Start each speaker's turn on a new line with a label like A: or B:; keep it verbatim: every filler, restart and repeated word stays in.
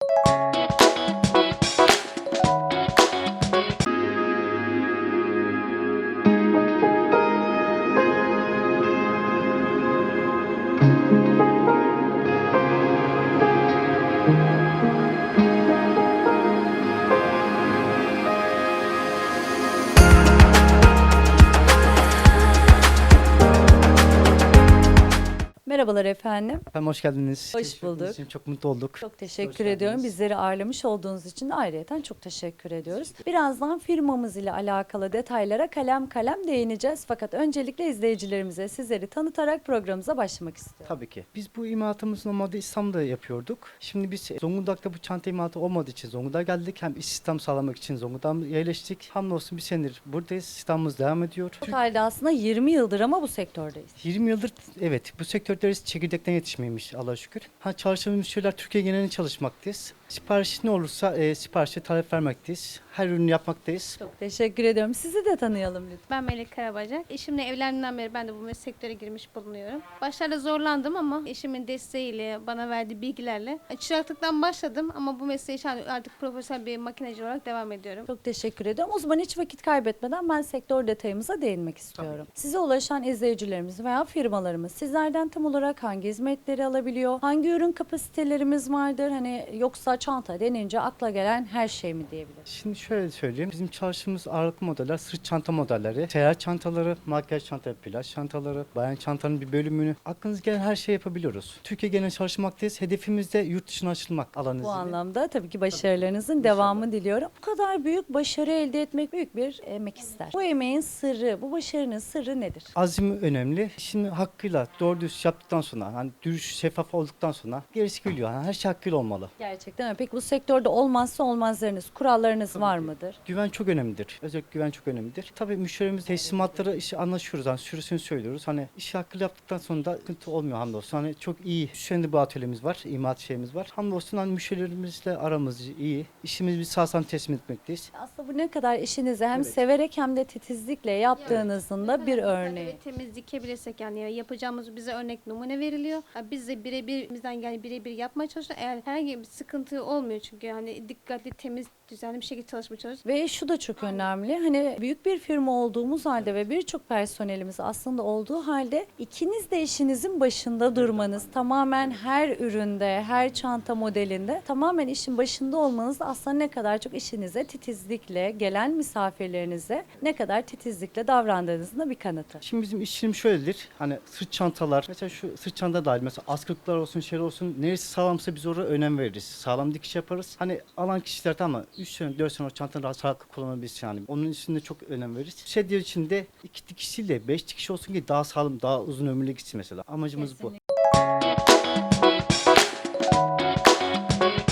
A: Merhabalar efendim.
B: Efendim hoş geldiniz.
A: Hoş
B: Teşekkür ettiğiniz
A: bulduk.
B: için çok mutlu olduk.
A: Çok
B: Hoş
A: teşekkür
B: geldiniz.
A: ediyorum. Bizleri ağırlamış olduğunuz için de ayrıyeten çok teşekkür ediyoruz. Birazdan firmamız ile alakalı detaylara kalem kalem değineceğiz. Fakat öncelikle izleyicilerimize sizleri tanıtarak programımıza başlamak istiyorum.
B: Tabii ki. Biz bu imalatımızı normalde İstanbul'da yapıyorduk. Şimdi biz Zonguldak'ta bu çanta imalatı olmadığı için Zonguldak'a geldik. Hem istihdam sağlamak için Zonguldak'a yerleştik. Hamdolsun bir senedir buradayız. İstihdamımız devam ediyor.
A: Totalde aslında yirmi yıldır ama bu sektördeyiz.
B: yirmi yıldır evet bu sektörde çekirdekten yetişmeymiş Allah'a şükür. Ha, çalıştığımız müşteriler Türkiye genelinde çalışmaktayız. Sipariş ne olursa e, siparişe talep vermekteyiz. Her ürünü yapmaktayız.
A: Çok teşekkür ediyorum. Sizi de tanıyalım lütfen.
C: Ben Melek Karabacak. Eşimle evlendiğimden beri ben de bu sektöre girmiş bulunuyorum. Başlarda zorlandım ama eşimin desteğiyle, bana verdiği bilgilerle çıraklıktan başladım ama bu mesleği şu an artık profesyonel bir makineci olarak devam ediyorum.
A: Çok teşekkür ediyorum. O zaman hiç vakit kaybetmeden ben sektör detayımıza değinmek istiyorum. Size ulaşan izleyicilerimiz veya firmalarımız sizlerden tam olarak hangi hizmetleri alabiliyor? Hangi ürün kapasitelerimiz vardır? Hani yoksa çanta denince akla gelen her şey mi diyebiliriz?
B: Şimdi şöyle söyleyeyim. Bizim çalıştığımız ağırlıklı modeller sırt çanta modelleri, seyahat çantaları, makyaj çantaları, plaj çantaları, bayan çantanın bir bölümünü. Aklınıza gelen her şeyi yapabiliyoruz. Türkiye genelinde çalışmaktayız. Hedefimiz de yurt dışına açılmak alan
A: Bu
B: izniyle.
A: anlamda tabii ki başarılarınızın devamını diliyorum. Bu kadar büyük başarı elde etmek büyük bir emek ister. Bu emeğin sırrı, bu başarının sırrı nedir?
B: Azim önemli. İşini hakkıyla doğru düz yaptıktan sonra, hani dürüst, şeffaf olduktan sonra gerisi geliyor. Yani her şey hakkıyla olmalı.
A: Gerçekten öyle. Peki bu sektörde olmazsa olmazlarınız, kurallarınız var mıdır?
B: Güven çok önemlidir. Özellikle güven çok önemlidir. Tabii müşterimiz teslimatları işi anlaşıyoruz. Hani sürüsünü söylüyoruz. Hani işi hakkıyla yaptıktan sonra da sıkıntı olmuyor hamdolsun. Hani çok iyi. Şu anda bu atölyemiz var. İmalat şeyimiz var. Hamdolsun hani müşterilerimizle aramız iyi. İşimizi biz sağ salim teslim etmekteyiz.
A: Aslında bu ne kadar işinizi hem
B: Evet.
A: severek hem de titizlikle yaptığınızın da bir örneği.
C: Evet, temiz dikebilirsek yani yapacağımız bize örnek numune veriliyor. Ha, Biz de birebir bizden yani birebir yapmaya çalışıyoruz. Eğer herhangi bir sıkıntı olmuyor çünkü hani dikkatli, temiz, düzenli bir şekilde çalışmaya çalışıyoruz.
A: Ve şu da çok önemli. Hani büyük bir firma olduğumuz halde ve birçok personelimiz aslında olduğu halde ikiniz de işinizin başında durmanız, tamamen her üründe, her çanta modelinde tamamen işin başında olmanız da aslında ne kadar çok işinize titizlikle, gelen misafirlerinize ne kadar titizlikle davrandığınızın da bir kanıtı.
B: Şimdi bizim işçilim şöyledir. Hani sırt çantalar, mesela şu sırt çanta dahil mesela askılıklar olsun, şey olsun. Neresi sağlamsa biz oraya önem veririz. Sağlam dikiş yaparız. Hani alan kişiler tamam üç sene dört sene o çantanın rahat rahat kullanabilsin yani. Onun üstünde çok önem veririz. Şey diyor içinde iki dikiş değil de beş dikiş olsun ki daha sağlam, daha uzun ömürlü gitsin mesela. Amacımız bu.